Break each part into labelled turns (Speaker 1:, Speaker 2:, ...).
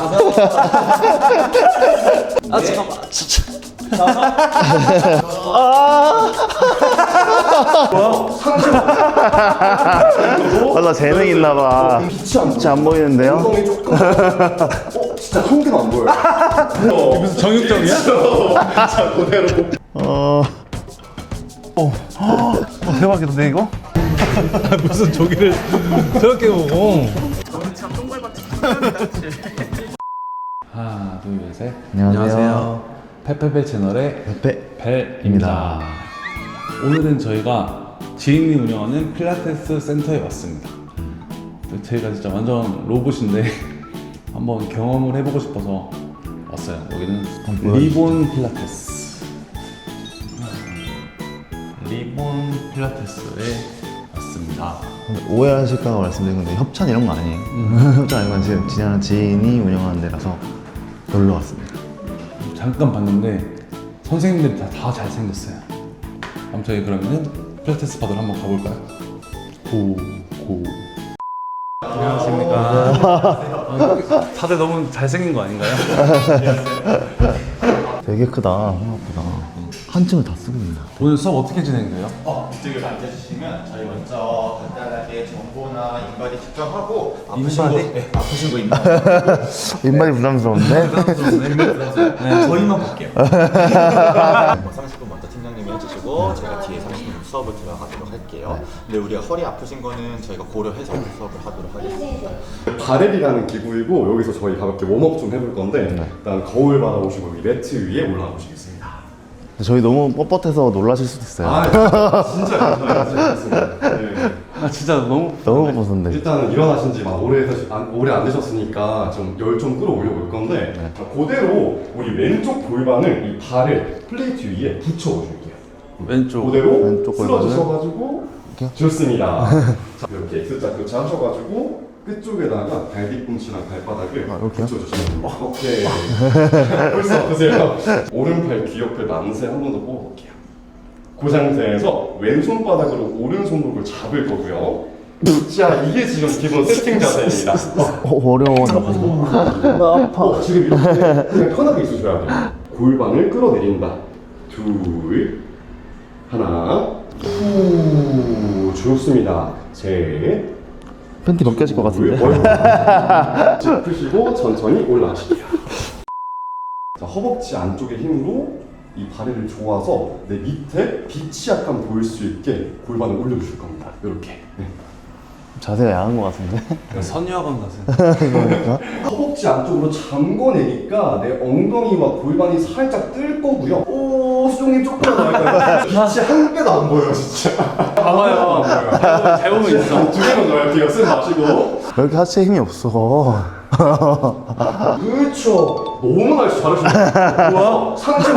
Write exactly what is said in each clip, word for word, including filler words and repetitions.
Speaker 1: 아 잠깐만 진짜.
Speaker 2: 맞아, 재능 있나봐. 빛이 안 보이는데요?
Speaker 3: 엉덩이 조금. 어, 진짜 한 개도 안 보여요.
Speaker 1: 무슨 정육점이야?
Speaker 3: 자, 그대로.
Speaker 2: 어... 어... 어... 대박이던데 이거?
Speaker 1: 무슨 조기를 저렇게 보고. 하나 둘 셋.
Speaker 2: 안녕하세요.
Speaker 1: 페페페 채널의
Speaker 2: 페페
Speaker 1: 벨입니다. 오늘은 저희가 지인이 운영하는 필라테스 센터에 왔습니다. 저희가 진짜 완전 로봇인데 한번 경험을 해보고 싶어서 왔어요. 여기는 리본 필라테스. 리본 필라테스에 왔습니다.
Speaker 2: 오해하실까 말씀드린 건데 협찬 이런 거 아니에요. 협찬 아니고 지금 지난 지인이 운영하는 데라서 놀러 왔습니다.
Speaker 1: 잠깐 봤는데 선생님들이 다, 다 잘생겼어요. 그럼 저희 그러면은 필라테스 받으러 한번 가볼까요? 고, 고. 안녕하십니까. 다들 너무 잘생긴 거 아닌가요?
Speaker 2: 되게 크다. 생각보다. 한 층을 다 쓰고 있나.
Speaker 1: 오늘 수업 어떻게 진행돼요?
Speaker 4: 어, 이쪽을 앉아주시면 저희 먼저 간단하게 정보나 인바디 측정하고 아프신 거,
Speaker 1: 인바디?
Speaker 4: 네, 아프신 거 인바디
Speaker 2: 입맛이 부담스러운데?
Speaker 1: 네.
Speaker 4: 저희만 볼게요. 삼십 분 먼저 팀장님이 해주시고 제가 뒤에 삼십 분 수업을 들어가도록 할게요. 근데 우리가 허리 아프신 거는 저희가 고려해서 수업을 하도록 하겠습니다.
Speaker 3: 바렐이라는 기구이고 여기서 저희 가볍게 웜업 좀 해볼 건데 일단 거울 바라보시고 이 매트 위에 올라가 보시겠습니다.
Speaker 2: 저희 너무 뻣뻣해서 놀라실 수도 있어요.
Speaker 3: 아, 진짜 괜찮습니다. 네.
Speaker 1: 아 진짜 너무
Speaker 2: 너무 뻣뻣한데.
Speaker 3: 일단은 일어나신 지 막 오래, 되시- 안- 오래 안 되셨으니까 좀 열 좀 끌어올려 볼 건데 자, 그대로 우리 왼쪽 골반을 이 발을 플레이트 위에 붙여줄게요.
Speaker 1: 왼쪽.
Speaker 3: 그대로
Speaker 2: 왼쪽 골반을
Speaker 3: 쓰러지셔가지고
Speaker 2: 이렇게요?
Speaker 3: 좋습니다. 자, 이렇게 X자 교차 하셔가지고 끝쪽에다가 발 뒤꿈치랑 발바닥을
Speaker 2: 아, 이렇게요?
Speaker 3: 붙여주시면 됩니다. 오케이. 벌써 보세요. 오른팔 귀 옆에 만세 한 번 더 뽑아볼게요. 그 상태에서 왼손바닥으로 오른손목을 잡을 거고요. 자, 이게 지금 기본 세팅 자세입니다.
Speaker 2: 어, 어려워. 나 아파.
Speaker 3: 어, 지금 이렇게 그냥 편하게 있으셔야 돼요. 골반을 끌어내린다. 둘, 하나, 후, 좋습니다. 셋,
Speaker 2: 팬티 벗겨질 것 같은데?
Speaker 3: 짚으시고 천천히 올라가실게요. 자, 허벅지 안쪽의 힘으로 이 다리를 조아서 내 밑에 빛이 약간 보일 수 있게 골반을 올려주실 겁니다. 이렇게. 네.
Speaker 2: 자세가 야한 것 같은데?
Speaker 1: 선유학원 가세요.
Speaker 3: 허벅지 안쪽으로 잠궈내니까 내 엉덩이와 골반이 살짝 뜰 거고요. 오, 수종님 조금만 나을까요? 빛이 한 개도 안 보여요, 진짜.
Speaker 1: 봐봐요.
Speaker 3: 잘 보면 있어. 두 개만 넣을게요. 숨 마시고.
Speaker 2: 왜 이렇게 하체에 힘이 없어?
Speaker 3: 그렇죠. 너무 날씨 잘하시네요. 우와, 상체.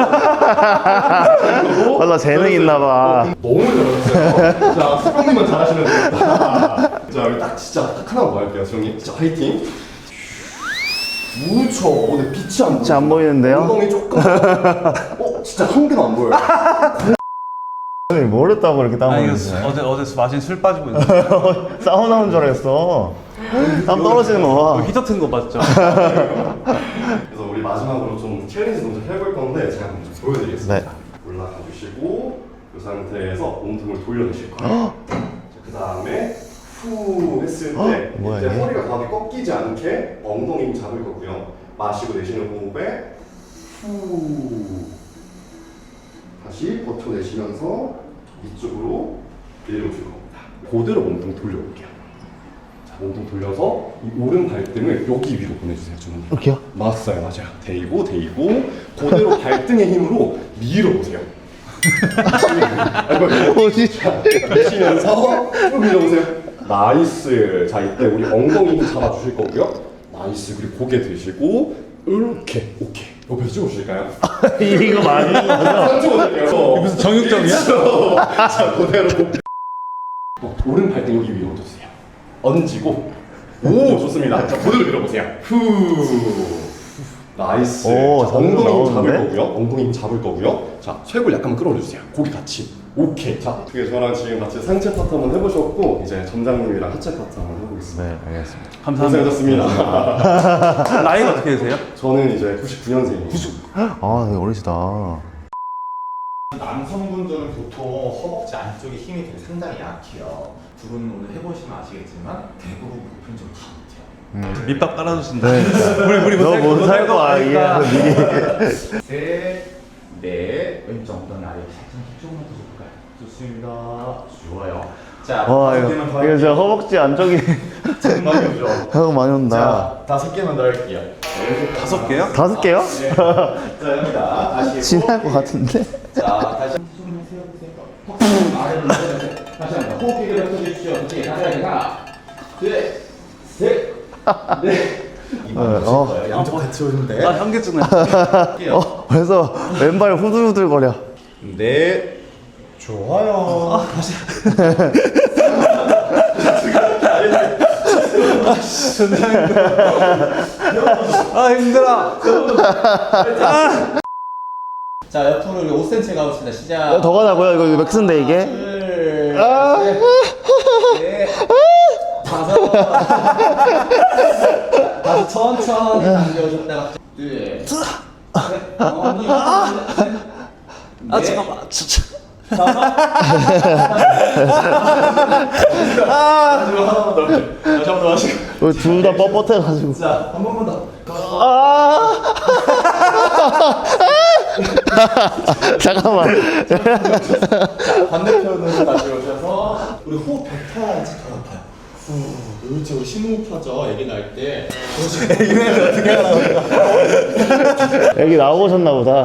Speaker 2: 맞아, 재능 있나봐.
Speaker 3: 너무 잘하셨어요. 자, 수종님만 잘하시면 되겠다. 자, 여기 딱 진짜 딱 하나만 더 할게요, 수종님. 진짜 화이팅. 그렇죠. 근데 빛이 안
Speaker 2: 빛이 안 보이는데요?
Speaker 3: 엉덩이 조금. 어, 진짜 한 개도 안 보여요.
Speaker 2: 뭘 했다고 이렇게 땀
Speaker 1: 아 이거
Speaker 2: 흘리지?
Speaker 1: 어제 어제 마신 술 빠지고 있는.
Speaker 2: 사우나 온 줄 알았어. 땀 떨어지는 거 봐.
Speaker 1: 히터 튼 거 맞죠?
Speaker 3: 그래서 우리 마지막으로 좀 챌린지 동작 해볼 건데 제가 먼저 보여드리겠습니다.
Speaker 2: 네.
Speaker 3: 올라가 주시고 이 상태에서 몸통을 돌려내실 거예요. 그 다음에 후 했을 때
Speaker 2: 어? 뭐야,
Speaker 3: 이제
Speaker 2: 이게?
Speaker 3: 허리가 가운데 꺾이지 않게 엉덩이 힘 잡을 거고요. 마시고 내쉬는 호흡에 후 다시 버텨내시면서 이쪽으로 내려오실 겁니다. 그대로 몸통 돌려볼게요. 자, 몸통 돌려서 이 오른 발등을 여기 위로 보내주세요, 주머니.
Speaker 2: 이렇게요?
Speaker 3: 맞아요, 맞아요. 대이고, 대이고, 그대로 발등의 힘으로 밀어보세요.
Speaker 2: 뭐지?
Speaker 3: 미시면서 쭉 밀어보세요. 나이스. 자, 이때 우리 엉덩이 힘 잡아주실 거고요. 나이스. 그리고 고개 드시고, 이렇게. 오케이. 옆에서 찍어주실까요?
Speaker 2: 이거 많이
Speaker 3: 상체 보실게요.
Speaker 1: 무슨 정육점이야?
Speaker 3: 자, 그대로. 어, 오른 발등 여기 위에 얹어주세요. 얹고, 오, 좋습니다. 자, 그대로 밀어보세요. 후. 나이스.
Speaker 2: 오,
Speaker 3: 자,
Speaker 2: 잡는 거
Speaker 3: 엉덩이 힘 잡을
Speaker 2: 나오는데?
Speaker 3: 거고요. 엉덩이 힘 잡을 거고요. 자, 쇄골 약간 끌어올려주세요. 고기 같이.
Speaker 4: 오케이. 자,
Speaker 3: 그게 저랑 지금 같이 상체 파트 한번 해보셨고 이제 점장님이랑 하체 파트 한번 해보겠습니다.
Speaker 2: 네, 알겠습니다.
Speaker 1: 감사합니다.
Speaker 3: 고생하셨습니다.
Speaker 1: 나이가 어떻게 되세요?
Speaker 3: 저는 이제 구십구 년생이에요.
Speaker 2: 아, 되게 어리시다.
Speaker 4: 남성분들은 보통 허벅지 안쪽에 힘이 되게 상당히 약해요. 두 분은 오늘 해보시면 아시겠지만 대부분 보편적으로 다 못해요.
Speaker 1: 밑밥 깔아주신다.
Speaker 2: 우리 우리 너못 살고 아 이게 미리.
Speaker 4: 셋, 넷, 왼쪽 엉덩이 아래 살짝 조금만 더 줄까요? 좋습니다. 좋아요. 자,
Speaker 2: 와
Speaker 4: 다섯
Speaker 2: 이거
Speaker 4: 개만 더
Speaker 2: 이거
Speaker 4: 할게요.
Speaker 2: 진짜 허벅지 안쪽이
Speaker 4: 정말 오죠.
Speaker 2: 하고 많이 온다.
Speaker 4: 자, 다섯 개만 더 할게요.
Speaker 1: 다섯 개요?
Speaker 2: 다섯 개요?
Speaker 4: 네. 자, 합니다. 다시 해보.
Speaker 2: 지날 것 같은데?
Speaker 4: 자, 다시 손을 세워보세요. 턱 아래로 내려주세요. 다시 한번 호흡 기계를 펴주십시오. 다시 하나, 둘, 셋, 넷. 이만
Speaker 2: 어.
Speaker 4: 오실 거예요. 양쪽 같이 오는데.
Speaker 1: 아 현기증 나.
Speaker 2: 어, 벌써 왼발 후들후들거려.
Speaker 4: 네. 좋아요. 다시.
Speaker 1: 아 힘들어.
Speaker 4: 자, 옆으로 우리 오 센티미터 가보겠습니다. 시작.
Speaker 2: 더 가자고요? 이거 맥스인데 이게?
Speaker 4: 둘,
Speaker 2: 아.
Speaker 4: 셋, 넷, 다섯. 다섯 천천히 당겨오셨다가 둘, 셋, 어머니,
Speaker 1: 아 잠깐만. 진짜.
Speaker 4: 다시 한번 더 하시고.
Speaker 2: 둘 다 뻣뻣해가지고.
Speaker 4: 자, 한 번만 더.
Speaker 2: 아! 잠깐만.
Speaker 4: 자, 반대편으로 다시 오셔서 우리 호흡 뱉어야지 더 아파요. 후, 그렇죠. 우리 심호흡하죠. 애기 낳을 때. 애기는 어떻게 하나?
Speaker 2: 여기 나오셨나 보다.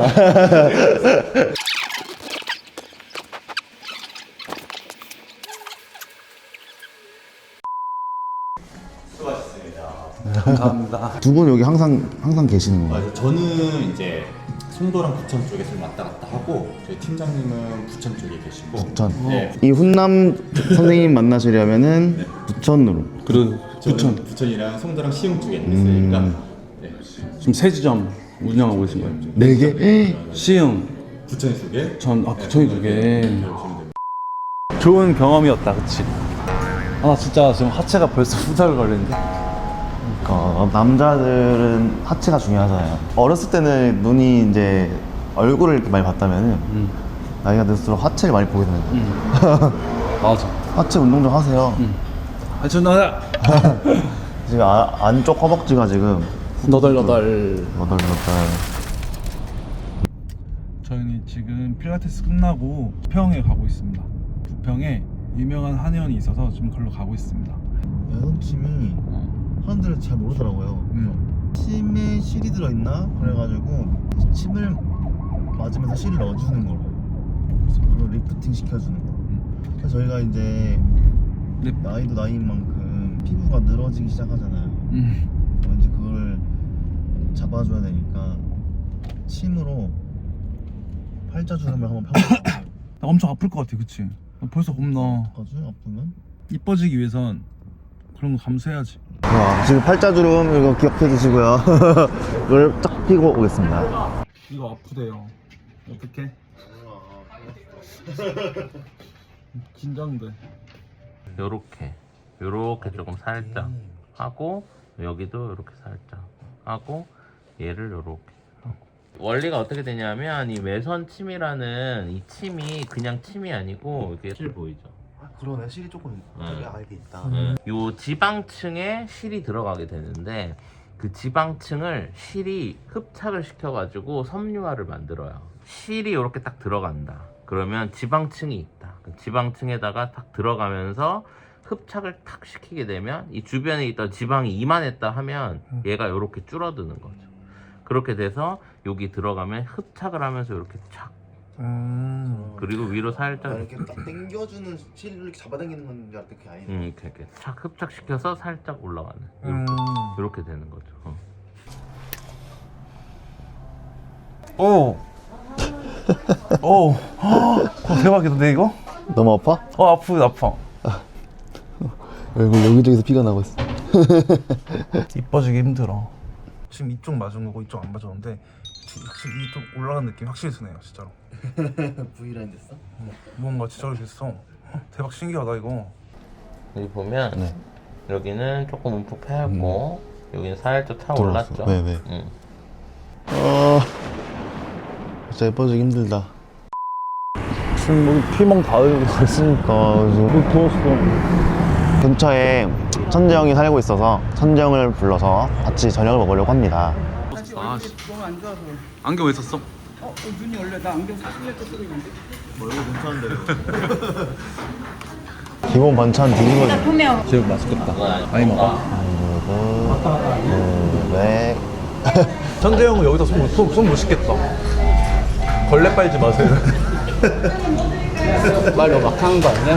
Speaker 4: 수고하셨습니다.
Speaker 1: 감사합니다.
Speaker 2: 두 분 여기 항상 항상 계시는 거예요?
Speaker 4: 맞아요. 저는 이제 송도랑 부천 쪽에 좀 왔다 갔다 하고 저희 팀장님은 부천 쪽에 계시고.
Speaker 2: 부천.
Speaker 4: 네.
Speaker 2: 이 훈남 선생님 만나시려면은 부천으로.
Speaker 1: 그리고
Speaker 4: 저는
Speaker 1: 부천
Speaker 4: 부천이랑 송도랑 시흥 쪽에 있으니까.
Speaker 2: 음.
Speaker 4: 네.
Speaker 1: 지금 세 지점 운영하고 계신 거예요.
Speaker 2: 네 개?
Speaker 1: 시흥,
Speaker 4: 부천 쪽에.
Speaker 1: 전 아 부천이 두 개.
Speaker 4: 오시면 됩니다.
Speaker 1: 좋은 경험이었다, 그치? 아, 나 진짜 지금 하체가 벌써 후달 걸리는데.
Speaker 2: 어, 남자들은 하체가 중요하잖아요. 어렸을 때는 눈이 이제 얼굴을 이렇게 많이 봤다면은
Speaker 1: 음.
Speaker 2: 나이가 들수록 하체를 많이 보게 되는 거예요.
Speaker 1: 음. 맞아.
Speaker 2: 하체 운동 좀 하세요.
Speaker 1: 음. 아, 저 나다.
Speaker 2: 지금 아, 안쪽 허벅지가 지금
Speaker 1: 너덜너덜.
Speaker 2: 너덜너덜.
Speaker 1: 저희는 지금 필라테스 끝나고 부평에 가고 있습니다. 부평에 유명한 한의원이 있어서 지금 걸로 가고 있습니다.
Speaker 2: 매선침이
Speaker 1: 어.
Speaker 2: 사람들은 잘 모르더라고요.
Speaker 1: 음.
Speaker 2: 침에 실이 들어있나? 그래가지고 침을 맞으면서 실을 넣어주는 거로. 그래서 그걸 리프팅 시켜주는 거. 그래서 저희가 이제
Speaker 1: 네.
Speaker 2: 나이도 나이인 만큼 피부가 늘어지기 시작하잖아요.
Speaker 1: 음.
Speaker 2: 그럼 이제 그걸 잡아줘야 되니까 침으로 팔자주름을 한번 펴볼게요.
Speaker 1: 나 엄청 아플 것 같아, 그치? 나 벌써 겁나.
Speaker 2: 어떡하지? 아프면?
Speaker 1: 이뻐지기 위해선 그런 거 감수해야지.
Speaker 2: 자, 지금 팔자주름 이거 기억해 주시고요. 이걸 딱 피고 오겠습니다.
Speaker 1: 이거 아프대요. 어떡해? 긴장돼.
Speaker 5: 요렇게 요렇게 조금 살짝 하고 여기도 요렇게 살짝 하고 얘를 요렇게 하고. 원리가 어떻게 되냐면 이 외선 침이라는 이 침이 그냥 침이 아니고 이게 실 보이죠?
Speaker 2: 그러네, 실이 조금
Speaker 5: 되게
Speaker 2: 알게 있다.
Speaker 5: 음. 요 지방층에 실이 들어가게 되는데 그 지방층을 실이 흡착을 시켜가지고 섬유화를 만들어요. 실이 이렇게 딱 들어간다. 그러면 지방층이 있다. 그 지방층에다가 딱 들어가면서 흡착을 탁 시키게 되면 이 주변에 있던 지방이 이만했다 하면 얘가 이렇게 줄어드는 거죠. 그렇게 돼서 여기 들어가면 흡착을 하면서 이렇게 착
Speaker 2: 음.
Speaker 5: 그리고 위로 살짝
Speaker 2: 이렇게 딱 당겨주는 실을 이렇게 잡아당기는 건 줄 알았더니 그게 아니네.
Speaker 5: 음, 이렇게, 이렇게 착 흡착시켜서 살짝 올라가는 이렇게,
Speaker 1: 음.
Speaker 5: 이렇게 되는 거죠. 어.
Speaker 1: 오. 오. 어, 대박이던데 이거?
Speaker 2: 너무 아파?
Speaker 1: 어 아프 아파.
Speaker 2: 얼굴 여기저기서 피가 나고 있어.
Speaker 1: 이뻐지기 힘들어. 지금 이쪽 맞은 거고 이쪽 안 맞았는데 확실히 이 좀 올라간 느낌 확실히 드네요 진짜로.
Speaker 2: V라인 됐어?
Speaker 1: 뭔가 진짜로 됐어. 대박 신기하다 이거.
Speaker 5: 여기 보면
Speaker 2: 네.
Speaker 5: 여기는 조금 움푹 패였고 여기는 살짝 타
Speaker 2: 들어왔어.
Speaker 5: 올랐죠.
Speaker 2: 네, 네.
Speaker 5: 응.
Speaker 2: 아 진짜 예뻐지기 힘들다.
Speaker 6: 지금 뭐 피멍 다 흘리고 다 있으니까 너무 더웠어.
Speaker 2: 근처에 천재 형이 살고 있어서 천재 형을 불러서 같이 저녁을 먹으려고 합니다.
Speaker 7: 사실
Speaker 1: 아,
Speaker 7: 얼굴이 너무 안 좋아서.
Speaker 1: 안경 왜 썼어?
Speaker 7: 어, 어, 눈이 원래 나 안경 사십 년 때 쓰고 있는데.
Speaker 2: 기본 반찬 뒤집어져.
Speaker 1: 제육 맛있겠다. 많이 먹어.
Speaker 2: 네.
Speaker 1: 천재 형은 여기서 손, 손, 손 못 씻겠다. 걸레 빨지 마세요.
Speaker 7: 말로 막 하는 거 아니야?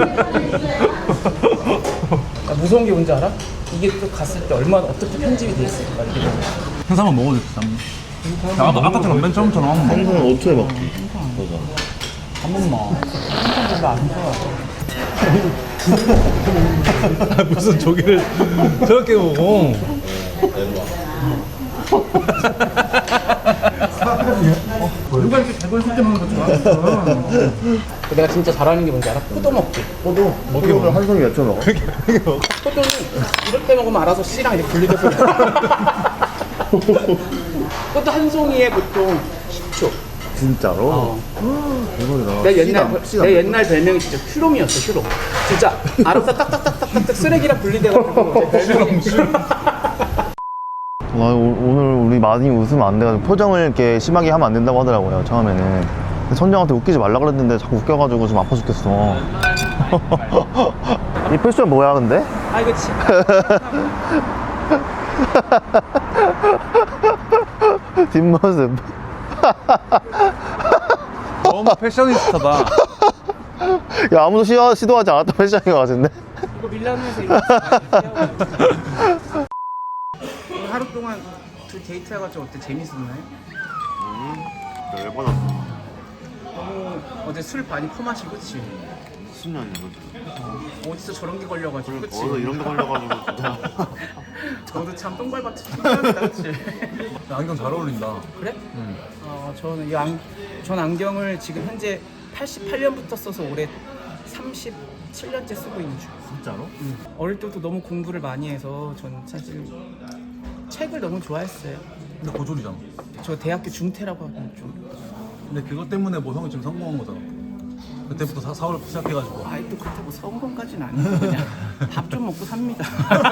Speaker 7: 나 무서운 게 뭔지 알아? 이게 또 갔을 때 얼마나 어떻게 편집이 돼 있을까 이게.
Speaker 1: 행사만 먹어도 됐다. 야, 아까 아까처럼 맨 처음처럼 한번 먹어.
Speaker 2: 생선 오 초에 먹기.
Speaker 7: 한 번만. 항상 별로 안 좋아.
Speaker 1: 무슨 조개를 저렇게 먹어.
Speaker 7: 누가 이렇게 대본 쓸 때 먹는 거 좋아하겠어. 내가 진짜 잘하는 게 뭔지 알아? 포도 먹기.
Speaker 2: 포도? 포도를 한 송이 몇 초 먹어?
Speaker 7: 포도는 이렇게 먹으면 알아서 씨랑 이렇게 분리돼서. 포도 한 송이에 보통 십 초.
Speaker 2: 진짜로?
Speaker 7: 어.
Speaker 2: 대박이다.
Speaker 7: 내 옛날
Speaker 2: 씨가- 씨가
Speaker 7: 내 옛날 별명이 진짜 휴롬이었어. 휴롬. 진짜 알아서 딱딱딱딱딱 쓰레기랑 분리돼가지고 내 별명이
Speaker 2: 와, 오- 오늘 우리 많이 웃으면 안 돼가지고 표정을 이렇게 심하게 하면 안 된다고 하더라고요 처음에는. 근데 천정한테 웃기지 말라 그랬는데 자꾸 웃겨가지고 좀 아파 죽겠어. 이 패션 뭐야 근데?
Speaker 7: 아 이거 지
Speaker 2: 뒷모습.
Speaker 1: 너무 패셔니스타다.
Speaker 2: 야 아무도 시도, 시도하지 않았던 패션인 것 같은데?
Speaker 7: 이거 밀라노에서 이렇게 오늘 하루 동안 둘 데이트 해가지고 어때? 재밌었나요?
Speaker 2: 열받았어.
Speaker 7: 너무 어제 술 많이 퍼마시고 그치?
Speaker 2: 무슨 년이야 그지?
Speaker 7: 어디서 저런 게 걸려가지고 그치?
Speaker 2: 어디서 이런 게 걸려가지고 진짜.
Speaker 7: 저도 참 똥발밭에 신기합니다 그치?
Speaker 1: 야, 안경 잘 어울린다.
Speaker 7: 그래? 어, 저는 이 안, 전 안경을 지금 현재 팔십팔 년부터 써서 올해 삼십칠 년째 쓰고 있는 중.
Speaker 2: 진짜로?
Speaker 7: 응. 어릴 때부터 너무 공부를 많이 해서 전 사실 책을 너무 좋아했어요.
Speaker 1: 근데 고졸이잖아.
Speaker 7: 저 대학교 중퇴라고 하면 좀
Speaker 1: 근데 그것 때문에 뭐 형이 지금 성공한 거잖아. 그때부터 사, 사업을 시작해가지고.
Speaker 7: 아이 또 그렇다고 성공까지는 아니고 그냥 밥 좀 먹고 삽니다.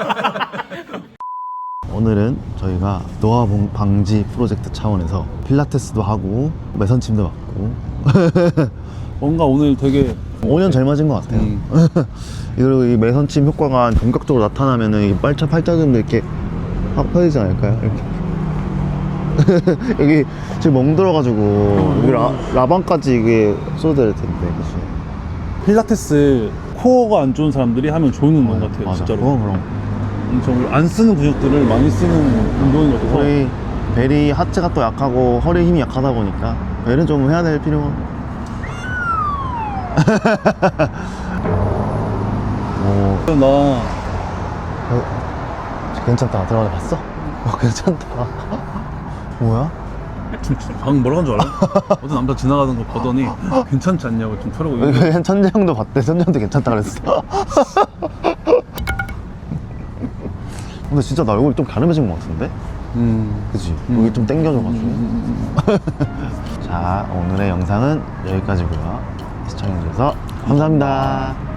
Speaker 2: 오늘은 저희가 노화 봉- 방지 프로젝트 차원에서 필라테스도 하고 매선침도 맞고
Speaker 1: 뭔가 오늘 되게
Speaker 2: 오 년 젊어진 것 같아요.
Speaker 1: 음.
Speaker 2: 그리고 이 매선침 효과가 본격적으로 나타나면은 이 팔자 팔자근도 이렇게 확 펴지지 않을까요? 이렇게. 여기 지금 멍들어가지고 여기 라, 라방까지 이게 쏟아질 텐데, 그치?
Speaker 1: 필라테스 코어가 안 좋은 사람들이 하면 좋은 것 같아요.
Speaker 2: 맞아.
Speaker 1: 진짜로.
Speaker 2: 그건 그럼.
Speaker 1: 엄청 안 쓰는 근육들을 많이 쓰는 운동인 것 같아서.
Speaker 2: 우리 벨이 하체가 또 약하고 허리 힘이 약하다 보니까 벨은 좀 해야 될 필요가. 오,
Speaker 1: 나
Speaker 2: 어, 괜찮다. 들어가 봤어? 어, 괜찮다. 뭐야?
Speaker 1: 방금 뭐라고 한 줄 알아? 어떤 남자 지나가는 거 보더니 괜찮지 않냐고 좀 털어고 있는데
Speaker 2: 여기 천재 형도 봤대. 천재 형도 괜찮다 그랬어. 근데 진짜 나 얼굴이 좀 가름해진 것 같은데?
Speaker 1: 음.
Speaker 2: 그치? 여기 좀 당겨져가지고. 자, 오늘의 영상은 여기까지고요. 시청해주셔서 감사합니다.